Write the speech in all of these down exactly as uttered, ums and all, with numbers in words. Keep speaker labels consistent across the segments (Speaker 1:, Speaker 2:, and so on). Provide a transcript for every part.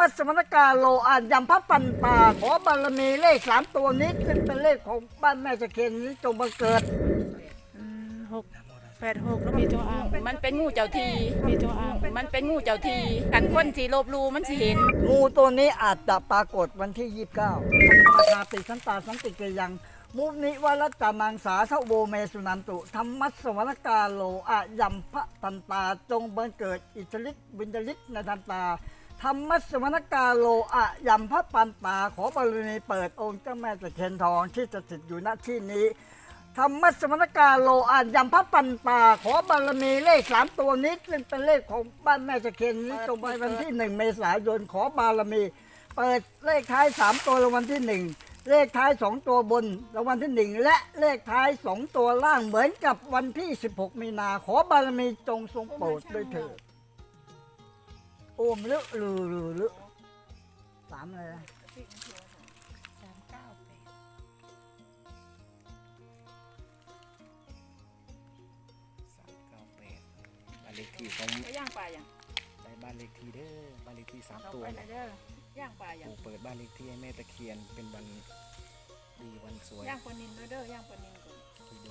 Speaker 1: มัสมณกาโลอานยำพระปันตาขอบารมีเลขสามตัวนี้ขึ้นเป็นเลขของบ้านแม่ตะเคียนนี้จงบังเกิด
Speaker 2: อืมหกแปดหกแล้วมีตัวอ่าง
Speaker 3: มันเป็นงูเจ้าที
Speaker 2: มีตัวอ่าง
Speaker 3: มันเป็นงูเจ้าทีกันคนที่ลบลูมันสิเห็น
Speaker 1: งูตัวนี้อาจจะปรากฏวันที่ยี่สิบเก้าธรรมชาติสันตาสันติเกยังมุนิวรัตตามังสาเทโบเมสุนันตุธรรมัสสวรรกาโลอะยัมพะตันตาจงบังเกิดอิทธิฤทธิ์บุญญฤทธิ์ในทันตาธรรมัสสวรรกาโลอะยัมพะปันตาขอบารมีเปิดองค์เจ้าแม่ตะเคียนทองที่จะติดอยู่ณที่นี้ธรรมัสสวรรกาโลอะยัมพะปันตาขอบารมีเลขสามตัวนี้ซึ่งเป็นเลขของบ้านแม่ตะเคียนนี้จงไปวันที่หนึ่งเมษายนขอบารมี เปิดเลขท้ายสามตัวรางวัลที่หนึ่งเลขท้ายสองตัวบนรางวัลที่หนึ่งและเลขท้ายสองตัวล่างเหมือนกับวันที่สิบหกมีนาขอบารมีจงทรงโปรดด้วยเถิดโอมลึลือลือลึสามเลยนะ
Speaker 4: สามเก้าแปดบ้านเลขที่ของ
Speaker 3: ไปย่างปลาอย่าง
Speaker 4: ได้บ้านเลขที่เด้อบ้านเลขที่สาม
Speaker 3: เรา
Speaker 4: ตัว
Speaker 3: ไปไหน
Speaker 4: นะ
Speaker 3: เด้อย่างปลาอย่าง
Speaker 4: ปู่เปิดบ้านเลขที่ให้แม่ตะเคียนเป็นวันดีวันสวย
Speaker 3: ย่างปลานินด้วยเด้อย่างปลานินก่อน
Speaker 4: ไปดู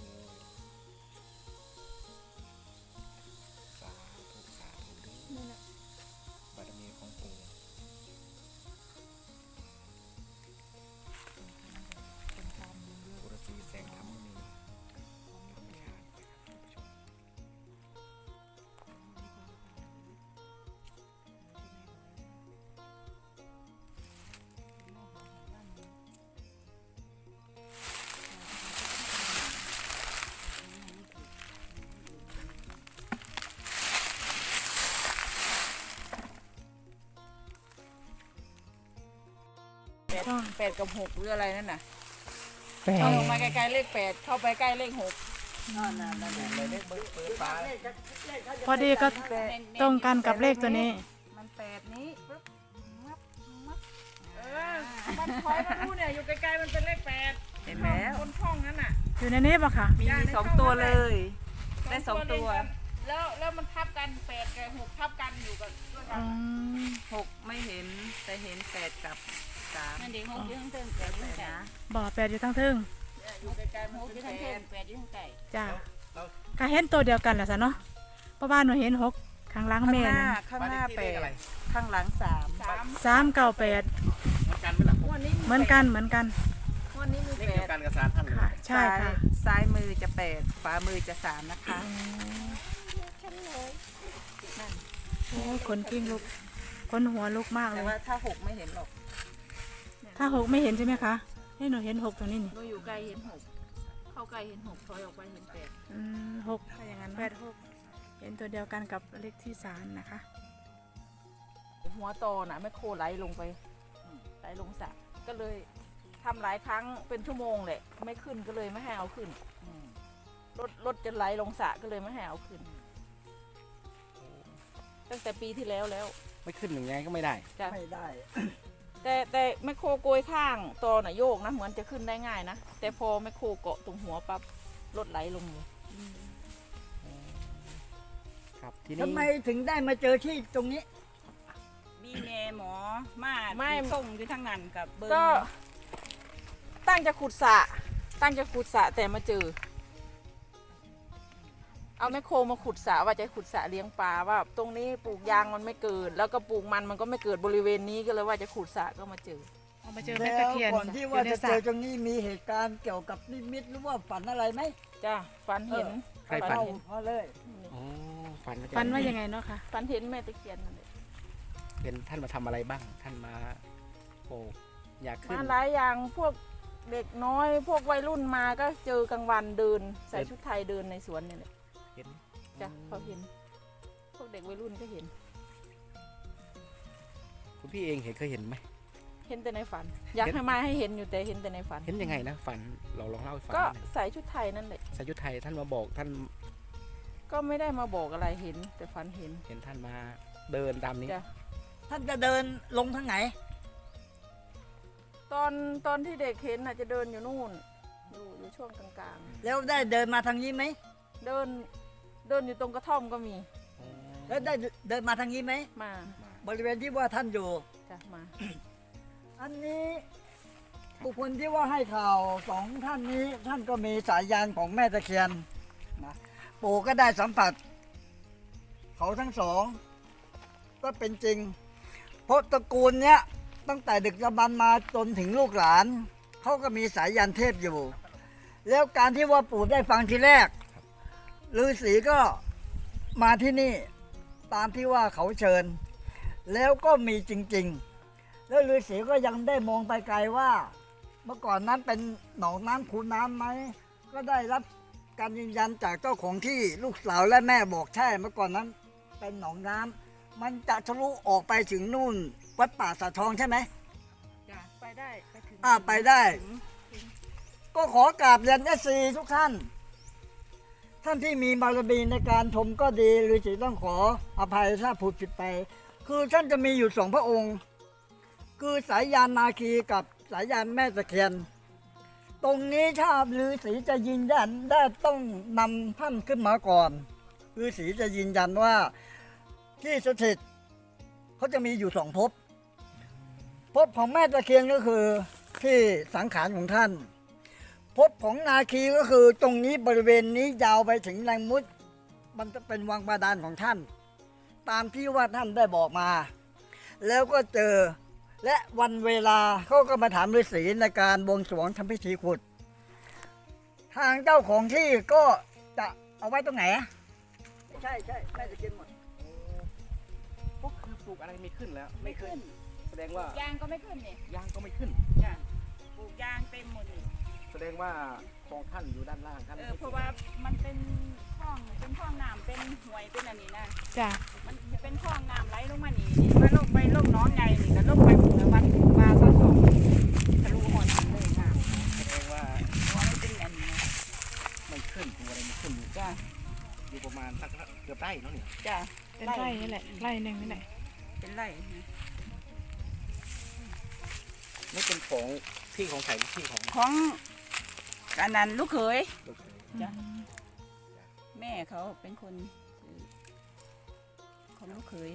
Speaker 4: สาธุสาธุเด้อ
Speaker 3: นี่นะ
Speaker 4: บารมีของปู่ปุรสีแสงธรรมมีธรรมชาติท่านผู้ชม
Speaker 3: แปดแปดกับหกหรืออะไรนั่นน่ะ
Speaker 2: แปด
Speaker 3: เข้าลงมาใกล้ๆเลขแปดเข้าไปใกล้เลขหก
Speaker 4: เลยเลขเบิกเปิดฟ้า
Speaker 2: พอดีก็ตรงกันกับเลขตัวนี้
Speaker 3: มันแปดนี้ปึ๊บงับงับเออมันคอยมันรู้เนี่ยอยู่ไกลๆมันเป็นเลขแปดเห็นแล้วบนช่องนั้นน่ะ
Speaker 2: อยู่ในนี้ปะคะ
Speaker 3: มีสองตัวเลย ได้สองตัว
Speaker 5: ว
Speaker 3: แล้วแล้วมันทับกันแปดกับหกทับกันอยู่กันด้วยกั
Speaker 2: อื
Speaker 3: น
Speaker 2: ม
Speaker 5: หกไม่เห็นแต่เห็นแปดกับสาม
Speaker 3: นั่นเด็กหกอยู่ข้างเทิงแปดอยู่ข้างไก่
Speaker 2: บ่อแปดอยู่ทั้งทึ่ง
Speaker 3: อยู่ไกลๆมันหกอยู่ข้างเทิงแปดอยู่ข้างไก่
Speaker 2: จ้าก็เห็นตัวเดียวกันแหละสะเนาะเพราะว่าหนูเห็นหกข้างหล่าง
Speaker 5: ข้าง
Speaker 2: แม่
Speaker 5: หน้า
Speaker 2: นะ
Speaker 5: ข้างหน้าแป
Speaker 4: บ้เลข
Speaker 5: ด
Speaker 4: อะไร
Speaker 5: ข้างหลังสาม
Speaker 3: สาม
Speaker 2: สามเก้าแปด
Speaker 4: เหมือนกันไหมล่ะ
Speaker 3: งวดนี้
Speaker 2: เหมือนกันเหมือนกัน
Speaker 3: งวดนี้มี
Speaker 4: เลข
Speaker 3: แป
Speaker 4: เดียว
Speaker 3: ด
Speaker 4: กันกับสารท่านเลย
Speaker 2: ค่ะ ใช่ค่ะ
Speaker 5: ซ้ายซ้ายมือจะแปดขวามือจะสามนะคะ
Speaker 2: โอ้ยขนกิ้งลุกขนหัวลุกมากเล
Speaker 5: แต่
Speaker 2: ย
Speaker 5: ว่าถ้าหกไม่เห็นหรอก
Speaker 2: ถ้าหกไม่เห็นใช่ไหมคะให้หนูเห็นหกตรงนี้นี่
Speaker 3: หนูอยู่ไกลเห็นหกเข้าใกล้เห็นหกถอยออกไปเห็นแปด
Speaker 2: อืมหกถ้าอย่างนั้นแปดหกเห็นตัวเดียวกันกับเลขที่สามนะคะ
Speaker 3: หัวโตน่ะไม่โคไหลลงไปอืมไหลลงสระก็เลยทำหลายครั้งเป็นชั่วโมงแหละไม่ขึ้นก็เลยไม่ให้เอาขึ้นอืมรถรถจะไหลลงสระก็เลยไม่ให้เอาขึ้น ตั้งแต่ปีที่แล้วแล้ว
Speaker 4: ไม่ขึ้นหนึ่งไงก็ไม่ได้
Speaker 3: จ้ะ
Speaker 1: ไม่ได้
Speaker 3: แต่แต่แมคโครโกยข้างตอน่ะโยกนะเหมือนจะขึ้นได้ง่ายนะแต่พอแมคโครเกาะตรงหัวปั๊บรถไหลลงเลย
Speaker 4: ครับทีนี้
Speaker 1: ทำไมถึงได้มาเจอที่ตรงนี้
Speaker 5: มีแม่หมอมา
Speaker 3: ไม่
Speaker 5: ส่งอยู่ทั้งนั้นกับเบิ้ง
Speaker 3: ก็ตั้งจะขุดสระตั้งจะขุดสระแต่มาเจอ เอาแมคโครมาขุดสระว่าจะขุดสระเลี้ยงปลาว่าตรงนี้ปลูกยางมันไม่เกิด แล้วก็ปลูกมันมันก็ไม่เกิดบริเวณนี้ก็เลยว่าจะขุดสระก็มาเจอ
Speaker 2: เอามาเจอแม่
Speaker 1: แล้
Speaker 2: ตะ
Speaker 1: ว
Speaker 2: เคียน
Speaker 1: ก่อนที่ว่าจะเจอตรงนี้มีเหตุการณ์เกี่ยวกับนิมิตหรือว่าฝันอะไรไหม
Speaker 3: จ้ะฝันเห็น
Speaker 4: ใครฝัน
Speaker 1: เอา
Speaker 4: เห็น
Speaker 1: มาเลย
Speaker 4: อ๋อฝัน
Speaker 2: ฟันว่ายังไงเนาะคะ
Speaker 3: ฝันเห็นแม่ตะเคียนนั่นแหละ
Speaker 4: เป็นท่านมาทำอะไรบ้าง ท่านมาโอ้อยากขึ้น
Speaker 3: มาหลายอย่างพวกเด็กน้อย พวกวัยรุ่นมาก็เจอกลางวันเดิน ใส่ชุดไทยเดินในสวนเนี่ยแหละ
Speaker 4: เห็น
Speaker 3: จ้ะเขาเห็น พวกเด็กวัยรุ่นก็เห็น
Speaker 4: คุณพี่เองเห็นเคยเห็นไหม
Speaker 3: เห็นแต่ในฝัน อยาก
Speaker 4: เห็น
Speaker 3: ให้มาให้เห็นอยู่แต่เห็นแต่ในฝัน
Speaker 4: เห็นยังไงนะฝันเราลองเล่าให้ฟัง
Speaker 3: ก็
Speaker 4: หน่อย
Speaker 3: ใส่ชุดไทยนั่นแหละ
Speaker 4: สายุทธไทยท่านมาบอกท่าน
Speaker 3: ก็ไม่ได้มาบอกอะไรเห็น แต่ฝันเห็น
Speaker 4: เห็นท่านมาเดินตามนี้
Speaker 3: จ้ะ
Speaker 1: ท่านจะเดินลงทางไหน
Speaker 3: ตอนตอนที่เด็กเห็นน่ะจะเดินอยู่นู่น อยู่อยู่ช่วงกลาง
Speaker 1: แล้วได้เดินมาทางนี้ไหม
Speaker 3: ๆ เดินเดินอยู่ตรงกระท่อมก็มี
Speaker 1: แล้วได้เดินมาทางนี้ไหม
Speaker 3: มา
Speaker 1: บริเวณที่ว่าท่านอยู่
Speaker 3: จ้ะมา
Speaker 1: อันนี้บุคคลที่ว่าให้ข่าวสองท่านนี้ท่านก็มีสายยานของแม่ตะเคียนนะปู่ก็ได้สัมผัส เขาทั้งสองก็เป็นจริง เพราะตระกูลเนี้ยตั้งแต่ดึกดำบรรพ์มาจนถึงลูกหลานเขาก็มีสายยานเทพอยู่ แล้วการที่ว่าปู่ได้ฟังทีแรกฤาษีก็มาที่นี่ตามที่ว่าเขาเชิญ แล้วก็มีจริง ๆ แล้วฤาษีก็ยังได้มองไปไกลว่า เมื่อก่อนนั้นเป็นหนองน้ำคูน้ำไหมก็ได้รับการยืนยันจากเจ้าของที่ลูกสาวและแม่บอกใช่เมื่อก่อนนั้นเป็นหนองน้ำมันจะทะลุออกไปถึงนู่นวัดป่าสะทองใช่ไหม
Speaker 3: จ้ะไปได้ไปถึง
Speaker 1: อ่าไปได้
Speaker 3: ถึง
Speaker 1: ก็ขอกราบเรียนเอซีทุกท่าน ท่านที่มีบารมีในการชมก็ดีหรือสิต้องขออภัยถ้าพูดผิดไป คือท่านจะมีอยู่สองพระองค์ คือสายยานนาคีกับสายยานแม่ตะเคียน ตรงนี้ถ้าฤาษีจะยืนยันได้ต้องนำท่านขึ้นมาก่อนฤาษีจะยืนยันว่าที่สถิตเขาจะมีอยู่สองภพภพของแม่ตะเคียนก็คือที่สังขารของท่านภพของนาคีก็คือตรงนี้บริเวณนี้ยาวไปถึงแรงมุดมันจะเป็นวังบาดาลของท่าน ตามที่ว่าท่านได้บอกมา แล้วก็เจอและวันเวลาเขาก็มาถามฤาษีในการบวงสรวงทำพิธีขุด ทางเจ้าของที่ก็จะเอาไว้ตรงไหนอะใช่ใช่แม่ตะเคียนหมด
Speaker 4: ก็คือปลูกอะไรไม่ขึ้นแล้ว
Speaker 3: ไม่ขึ้น
Speaker 4: แสดงว่าย
Speaker 3: างก็ไม่ขึ้นนี่
Speaker 4: ยางก็ไม่ขึ้น
Speaker 3: จ้ะปลูกยางเต็มหมดนี่
Speaker 4: แสดงว่าของท่านอยู่ด้านล่างท่าน
Speaker 3: เออเพราะว่ามันเป็นคลองเป็นคลองน้ำเป็นห้วยเป็นอันนี้นะ
Speaker 2: จ้ะ
Speaker 3: มันจะเป็นคลองน้ำไหลลงมานี่นี่มาลงไปลงหน้องไงนี่ก็ลงไปหมู่วัดปลาสักสองทะลุหอดเลยน้ำ
Speaker 4: แสดงว่า
Speaker 3: เพราะว่ามันเป็นอันนี้นะ
Speaker 4: ไม่ขึ้นปลูกอะไรไม่ขึ้นอยู่
Speaker 3: จ้ะ
Speaker 4: อยู่ประมาณสักเกือบไร่เนาะเนี่ย
Speaker 3: จ้ะ
Speaker 2: เป็นไร่นี่แหละไร่หนึ่งนี่แหละ
Speaker 3: เป็นไร่นะ
Speaker 4: นี่เป็นของที่ของไผ่หรือที่ของ
Speaker 3: ของอันนั้นลูกเขย
Speaker 4: ลูกเขย
Speaker 3: จ้ะ แม่เขาเป็นคนซื้อของลูกเขย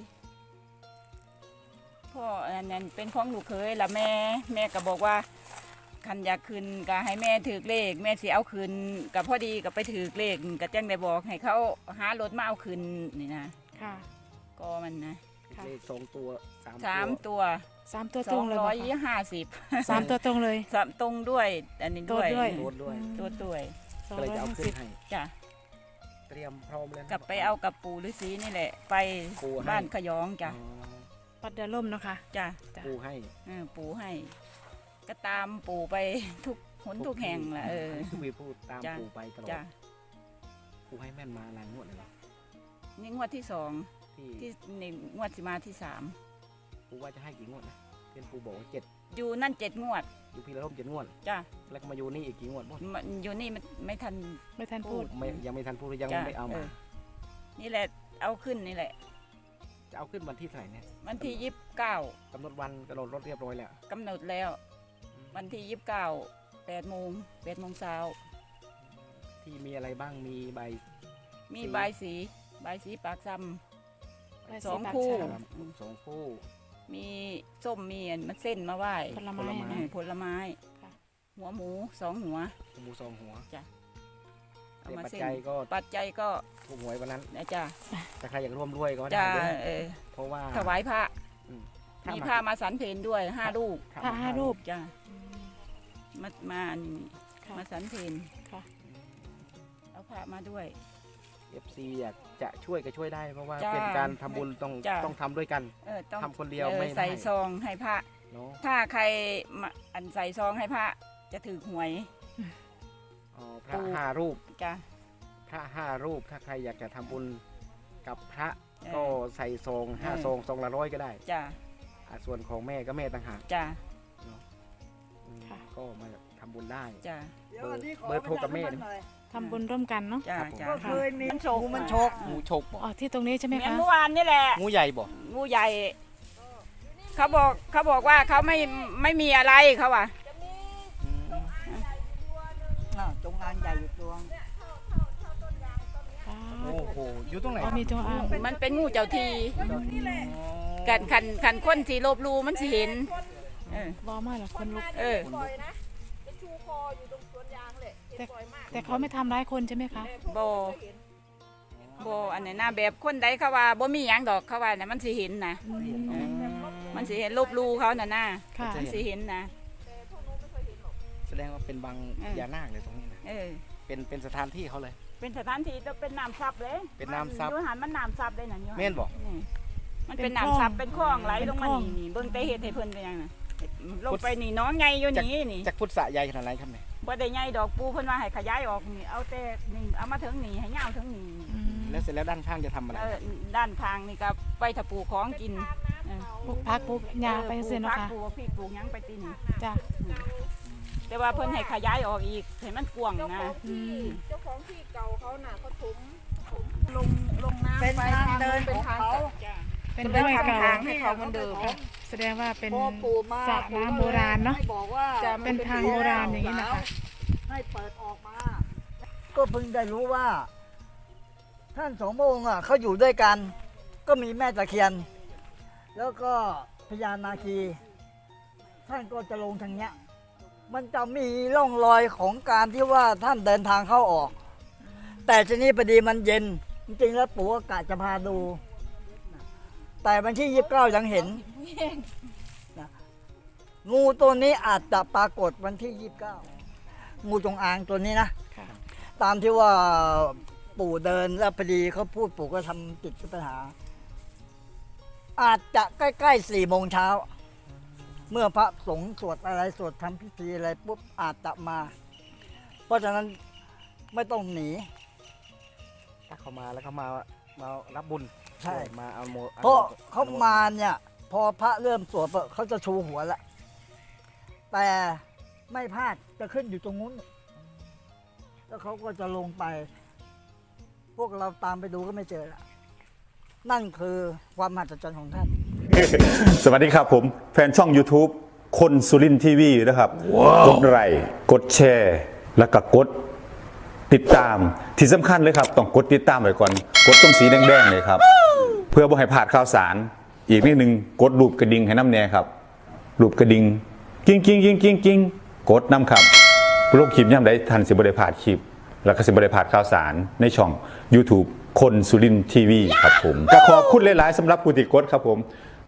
Speaker 3: พ่ออันนั้นเป็นของลูกเขยแล้วแม่แม่ก็บอกว่าคันอยากคืนก็ให้แม่ถือเลข แม่สิเอาคืนกับพอดีก็ไปถือเลขก็แจ้งได้บอกให้เขาหารถมาเอาคืนนี่นะ
Speaker 2: ค่ะ
Speaker 3: ก็มันนะ
Speaker 2: ค่ะ
Speaker 4: เลขสองตัวสาม
Speaker 3: สาม
Speaker 4: ตัว
Speaker 3: ตัว
Speaker 2: สามตัว
Speaker 3: ส
Speaker 2: ตร
Speaker 3: อง
Speaker 2: งเลย
Speaker 3: ร้
Speaker 2: บ
Speaker 3: อ
Speaker 2: อย ก
Speaker 3: ยี่ห้าสิบ
Speaker 2: สามตัวตรงเลย
Speaker 3: สามตรงด้วย อันนี้ด้วย
Speaker 2: ตัวด้วย
Speaker 4: โดนด้วย
Speaker 3: ตัวด้วย
Speaker 2: สอง
Speaker 4: ก็เลย
Speaker 2: ร้อย
Speaker 4: จะเอา
Speaker 2: ห้า
Speaker 4: ขึ้
Speaker 2: สิ
Speaker 4: น
Speaker 2: บ
Speaker 4: ให้
Speaker 3: จ้ะ
Speaker 4: เตรียมพร้อมเลยนะ
Speaker 3: กลับไปเอากับปู่ฤาษีนี่แหละ ไป
Speaker 4: ปู่ให้
Speaker 3: บ้านขยองจ้ะ
Speaker 4: อ๋อ
Speaker 2: ปัดเดือล่มเนาะค่ะ
Speaker 3: จ้ะ
Speaker 2: จ้ะ
Speaker 4: ปู่ให้
Speaker 3: เออปู่ให้ ก็ตามปู่ไปทุกหนทุกแห่งแหละเออ
Speaker 4: ทุกวีพูดตาม
Speaker 3: จ้ะ
Speaker 4: ปู่ไปตลอด
Speaker 3: จ้ะ
Speaker 4: ปู่ให้แม่นมาหลายงวดเลยเหรอ
Speaker 3: นี่งวดที่สอง
Speaker 4: ที่
Speaker 3: ที่นี่งวดสิมาที่สาม
Speaker 4: ปู่ว่าจะให้กี่งวดนะเพื่อนปู่บอกว่าเจ็ด
Speaker 3: อยู่นั่นเจ็ดงวด
Speaker 4: อยู่พี่ละร่มเจ็ดงวด
Speaker 3: จ้ะ
Speaker 4: แล้วก็มาอยู่นี่อีกกี่งวดบ้าง
Speaker 3: มันอยู่นี่มันไม่ทัน
Speaker 2: ไม่ทันพูด
Speaker 4: ไม่ยังไม่ทันพูดยัง
Speaker 3: จ้ะ
Speaker 4: ไม่เอา
Speaker 3: เอ
Speaker 4: มา
Speaker 3: อนี่แหละเอาขึ้นนี่แหละ
Speaker 4: จะเอาขึ้นวันที่เท่าไหร่เนี่ย
Speaker 3: วันที่ยี่สิบเก้าก
Speaker 4: ำหนดวันกำหนดรถเรียบร้อยแล้ว
Speaker 3: กำหนดแล้ว วันที่ยี่สิบเก้าแปดโมงแปดโมงเช้า
Speaker 4: ที่มีอะไรบ้างมีใบ
Speaker 3: มี
Speaker 4: สี
Speaker 3: ใบายสีใบายสีปากซ้
Speaker 2: ใบ
Speaker 3: ส
Speaker 2: สี
Speaker 3: อง
Speaker 2: ปาก
Speaker 3: คู่
Speaker 2: ฉลาม
Speaker 4: ครับสองคู่
Speaker 3: ำมีส้มมีอันมันเส้นมาไหว้
Speaker 2: ผลไม้
Speaker 4: ผลไม้
Speaker 3: เออผลไม้
Speaker 2: ค่ะ
Speaker 3: หัวหมูสองหัว
Speaker 4: หมูสองหัว
Speaker 3: เอา
Speaker 4: แต่
Speaker 3: มา
Speaker 4: ปัจ
Speaker 3: เส้น
Speaker 4: จัยก็
Speaker 3: ปัจจัยก็
Speaker 4: ถูกหวยวันนั้น
Speaker 3: นะจ้ะ
Speaker 4: แต่ใครอยากร่วมด้วยก็ได้
Speaker 3: จ้ะ
Speaker 4: ด้วย
Speaker 3: เออ
Speaker 4: เพราะว่า
Speaker 3: ถวายพระ
Speaker 4: อืม
Speaker 3: มีพระมาสันเพนด้วยห้าลูก
Speaker 4: ถ้
Speaker 2: พระห้ารูป
Speaker 3: จ้ะ
Speaker 2: อืม
Speaker 3: มามาอันนี้
Speaker 2: ค่ะ
Speaker 3: มาสันเพน
Speaker 2: ค่ะ
Speaker 3: เอาพระมาด้วย
Speaker 4: เอฟซีอยากจะช่วยก็ช่วยได้ เพราะว่า
Speaker 3: จ้ะ
Speaker 4: เป็นการทำบุญต้อง
Speaker 3: จ้ะ
Speaker 4: ต้องทำด้วยกัน
Speaker 3: เออต้อง
Speaker 4: ทำคนเดียว
Speaker 3: ออ
Speaker 4: ไม่ได้
Speaker 3: ใส่ซองให้พระ
Speaker 4: เนาะ
Speaker 3: ถ้าใครมาอันใส่ซองให้พระจะถือหวย
Speaker 4: อ๋อพระ
Speaker 3: ปู่
Speaker 4: ห้ารูป
Speaker 3: จ้ะ
Speaker 4: พระห้ารูปถ้าใครอยากจะทำบุญกับพระ
Speaker 3: เออ
Speaker 4: ก็ใส่ซองห้า
Speaker 3: เออ
Speaker 4: ซองซองละร้อยก็ได้
Speaker 3: จ้ะ
Speaker 4: อ่ะส่วนของแม่ก็แม่ต่างหาก
Speaker 3: จ้ะ
Speaker 4: อืม
Speaker 2: ค่ะ
Speaker 4: ก็มาทำบุญได้
Speaker 3: จ้ะ
Speaker 1: เดี๋ยวอันนี้ขอ
Speaker 4: เบอร์โทรกับแม่
Speaker 1: ประชาสัมพันธ์หน่อย
Speaker 2: ทำบุญร่วมกันเนาะ
Speaker 3: จ้ะ
Speaker 4: ครับผม
Speaker 3: จ้ะ
Speaker 1: ก็เคยมี
Speaker 3: มันฉก
Speaker 1: งูมันฉก
Speaker 4: งูฉกบ่
Speaker 2: อ๋อที่ตรงนี้ใช่ไหม
Speaker 3: เหมือน
Speaker 2: คะ
Speaker 3: เมื่อวานนี่แหละ
Speaker 4: งูใหญ่บ่
Speaker 3: งูใหญ่ เขาบอกเขาบอกว่าเขาไม่ไม่มีอะไรเขาว่า
Speaker 4: อืม
Speaker 1: น่ะจงอางใหญ่อยู่ตัว
Speaker 2: อ๋อ
Speaker 4: โอ้โหอยู่ตรงไหน
Speaker 2: อ๋อมีตัวอ่าง
Speaker 3: มันเป็นงูเจ้าที
Speaker 4: อ๋อ
Speaker 3: กันคันคันคนที่ลบหลู่มันสิเห็นเออ
Speaker 2: บ่มาหรอกคนลุก
Speaker 3: เออ
Speaker 5: บ่อยนะไปชูคออยู่ตรงสวนยางเลยเห็นบ่อยมาก
Speaker 2: แต่เขาไม่ทำร้ายคนใช่ไหมคะ
Speaker 3: บ่บ่อันนี้นะแบบคนใดเขาว่าบ่มีหยังดอกเขาว่าน่ะมันสิเห็นนะเออมันสิเห็นลบหลู่เขาน่ะนะ
Speaker 2: ค่ะ
Speaker 3: มันสิเห็นนะ
Speaker 4: แสดงว่าเป็นบาง
Speaker 3: เออ
Speaker 4: พญานาคเลยตรงนี้นะ
Speaker 3: เออ
Speaker 4: เป็นเป็นสถานที่เขาเลย
Speaker 3: เป็นสถานที่จะเป็นน้ำซับเลย
Speaker 4: เป็นน้ำซับ
Speaker 3: อยู่หันมันน้ำซับเลยน่ะอยู่หั
Speaker 4: แม่นบ่
Speaker 3: นี่มันเป็นน้ำซับเป็นคลองไหลลงมานี่นี่เบิ่งแต่เฮ็ดให้เพิ่นเป็นหยังน่ะลงไปนี่น้องใหญ่อยู่นี่นี่
Speaker 4: จากพุทธะใหญ่ขนาดไหนครับเนี่ย
Speaker 3: บ่ได้ใหญ่ดอกปูเพิ่นว่าให้ขยายออกนี่เอาแต่นี่เอามาถึงนี่ให้ยาวถึงนี่
Speaker 2: อืม
Speaker 4: แล้วเสร็จแล้วด้านข้างจะทำอะไร
Speaker 3: เออด้านข้างนี่ก็ไปถ้าปลูกของกินเออ
Speaker 2: ปลูกพักปลูกหญ้าไปเสีย
Speaker 3: ปลู
Speaker 2: เนาะ
Speaker 3: กผัก
Speaker 2: ค่ะ
Speaker 3: ปลูกพริกปลูกหยังไปตีนี่
Speaker 2: จ้ะ
Speaker 3: แต่ว่าเพิ่นให้ขยายออกอีกให้มันกว้าง
Speaker 5: เจ้าข
Speaker 3: นะ
Speaker 5: องที่เจ้าของที่เก่าเขาน่ะเขาถมถมลงลงน้ำ
Speaker 1: เป็น
Speaker 5: ไป
Speaker 1: ทางเดิน
Speaker 5: เป็น
Speaker 1: ของ
Speaker 5: ทาง
Speaker 1: เขา
Speaker 2: เป็นห้วยเก่า
Speaker 5: ทางให้เขาเหมือนเดิม
Speaker 2: แสดงว่าเป็น
Speaker 1: พอปู่มา
Speaker 2: สระน้ำโบราณเนาะ
Speaker 1: ให้บอกว่า
Speaker 5: จะ
Speaker 2: เป็นทางโบราณอย่างนี้นะคะ
Speaker 1: ให้เปิดออกมา ก็เพิ่งได้รู้ว่า ท่านสองพระองค์อ่ะเขาอยู่ด้วยกัน ก็มีแม่ตะเคียน แล้วก็พญานาคี ท่านก็จะลงทางเนี้ย มันจะมีร่องรอยของการที่ว่าท่านเดินทางเข้าออก แต่ทีนี้พอดีมันเย็น จริงๆแล้วปู่ก็กะจะพาดู แต่วันที่ยี่สิบเก้ายังเห็นนะงูตัวนี้อาจจะปรากฏวันที่ยี่สิบเก้างูจงอางตัวนี้นะ
Speaker 2: ค่ะ
Speaker 1: ตามที่ว่าปู่เดินแล้วพอดีเขาพูดปู่ก็ทำจิตปัญหา อาจจะใกล้ๆสี่โมงเช้า เมื่อพระสงฆ์สวดอะไรสวดทำพิธีอะไรปุ๊บอาจจะมา เพราะฉะนั้นไม่ต้องหนี
Speaker 4: ถ้าเขามาแล้วเขามามารับบุญ
Speaker 1: ใช่
Speaker 4: มาเอาโม
Speaker 1: เพราะเขามาเนี่ย พอพระเริ่มสวดปุ๊บเขาจะชูหัวละแต่ไม่พลาดจะขึ้นอยู่ตรงนู้น แล้วเขาก็จะลงไป พวกเราตามไปดูก็ไม่เจอละนั่นคือความมหัศจรรย์ของท่าน
Speaker 6: สวัสดีครับผม แฟนช่อง YouTube คนสุรินทีวีนะครับ กดไลค์กดแชร์ แล้วก็กดติดตามที่สำคัญเลยครับ ต้องกดติดตามไว้ก่อน กดตรงสีแดงๆเลยครับ เพื่อบ่ให้พลาดข่าวสาร อีกนิดนึงกดรูปกระดิ่งให้น้ำแน่ครับ รูปกระดิ่งกิ้งกิ้งกิ้งกิ้งกิ้งกดน้ำครับโลกคลิปย่ำได้ทันสิบได้พลาดคลิป แล้วก็สิบได้พลาดข่าวสารในช่อง YouTube คนสุรินทีวีครับผมก็ขอบคุณหลายๆสำหรับผู้ติดกดครับผม